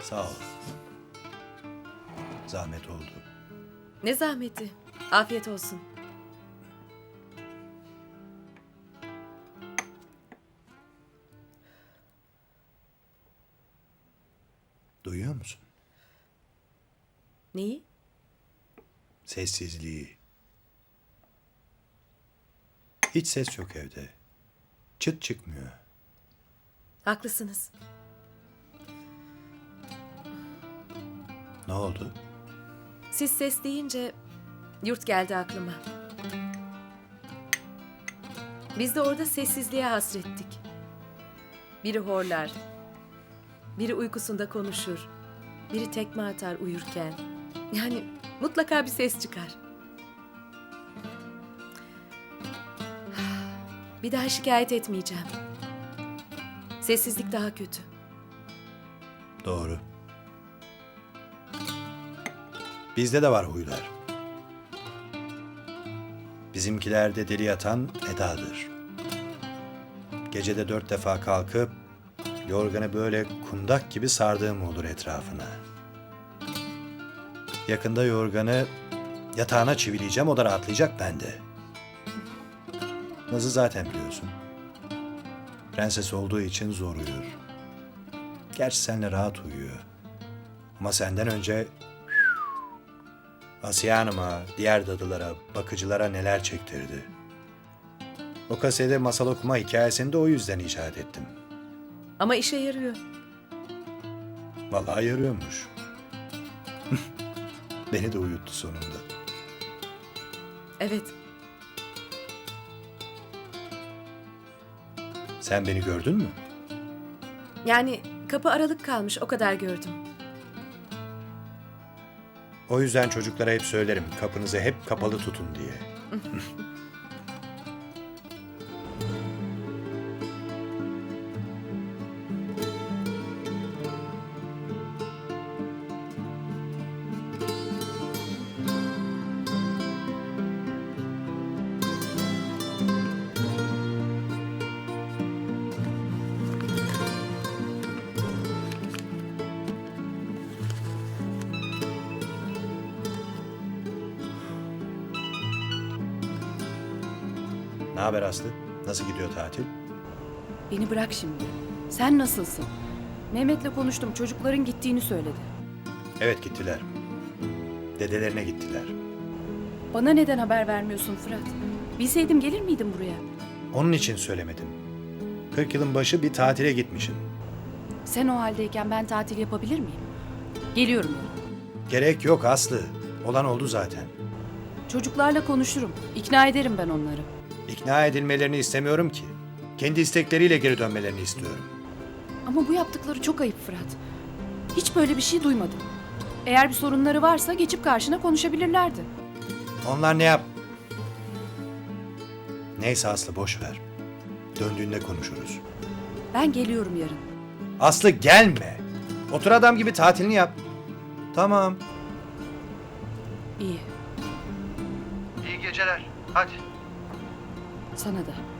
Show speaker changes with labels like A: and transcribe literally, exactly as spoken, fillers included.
A: Sağ ol. Zahmet oldu.
B: Ne zahmeti. Afiyet olsun.
A: Duyuyor musun?
B: Neyi?
A: Sessizliği. Hiç ses yok evde. Çıt çıkmıyor.
B: Haklısınız.
A: Ne oldu?
B: Siz ses deyince yurt geldi aklıma. Biz de orada sessizliğe hasrettik. Biri horlar, biri uykusunda konuşur, biri tekme atar uyurken. Yani mutlaka bir ses çıkar. Bir daha şikayet etmeyeceğim. Sessizlik daha kötü.
A: Doğru. Bizde de var huylar. Bizimkilerde deli yatan Eda'dır. Gecede dört defa kalkıp yorganı böyle kundak gibi sardığım olur etrafına. Yakında yorganı yatağına çivileyeceğim, o da rahatlayacak, ben de. Naz'ı zaten biliyorsun. Prenses olduğu için zor uyur. Gerçi seninle rahat uyuyor. Ama senden önce Asiye Hanım'a, diğer dadılara, bakıcılara neler çektirdi. O kasede masal okuma hikayesini de o yüzden icat ettim.
B: Ama işe yarıyor.
A: Vallahi yarıyormuş. Beni de uyuttu sonunda.
B: Evet.
A: Sen beni gördün mü?
B: Yani kapı aralık kalmış, o kadar gördüm.
A: O yüzden çocuklara hep söylerim, kapınızı hep kapalı tutun diye. Ne haber Aslı? Nasıl gidiyor tatil?
C: Beni bırak şimdi. Sen nasılsın? Mehmet'le konuştum. Çocukların gittiğini söyledi.
A: Evet, gittiler. Dedelerine gittiler.
C: Bana neden haber vermiyorsun Fırat? Bilseydim gelir miydim buraya?
A: Onun için söylemedim. Kırk yılın başı bir tatile gitmişsin.
C: Sen o haldeyken ben tatil yapabilir miyim? Geliyorum ya.
A: Gerek yok Aslı. Olan oldu zaten.
C: Çocuklarla konuşurum. İkna ederim ben onları.
A: İkna edilmelerini istemiyorum ki. Kendi istekleriyle geri dönmelerini istiyorum.
C: Ama bu yaptıkları çok ayıp Fırat. Hiç böyle bir şey duymadım. Eğer bir sorunları varsa geçip karşına konuşabilirlerdi.
A: Onlar ne yap... Neyse Aslı, boş ver. Döndüğünde konuşuruz.
C: Ben geliyorum yarın.
A: Aslı, gelme. Otur adam gibi tatilini yap. Tamam.
C: İyi.
A: İyi geceler. Hadi.
C: Sana da.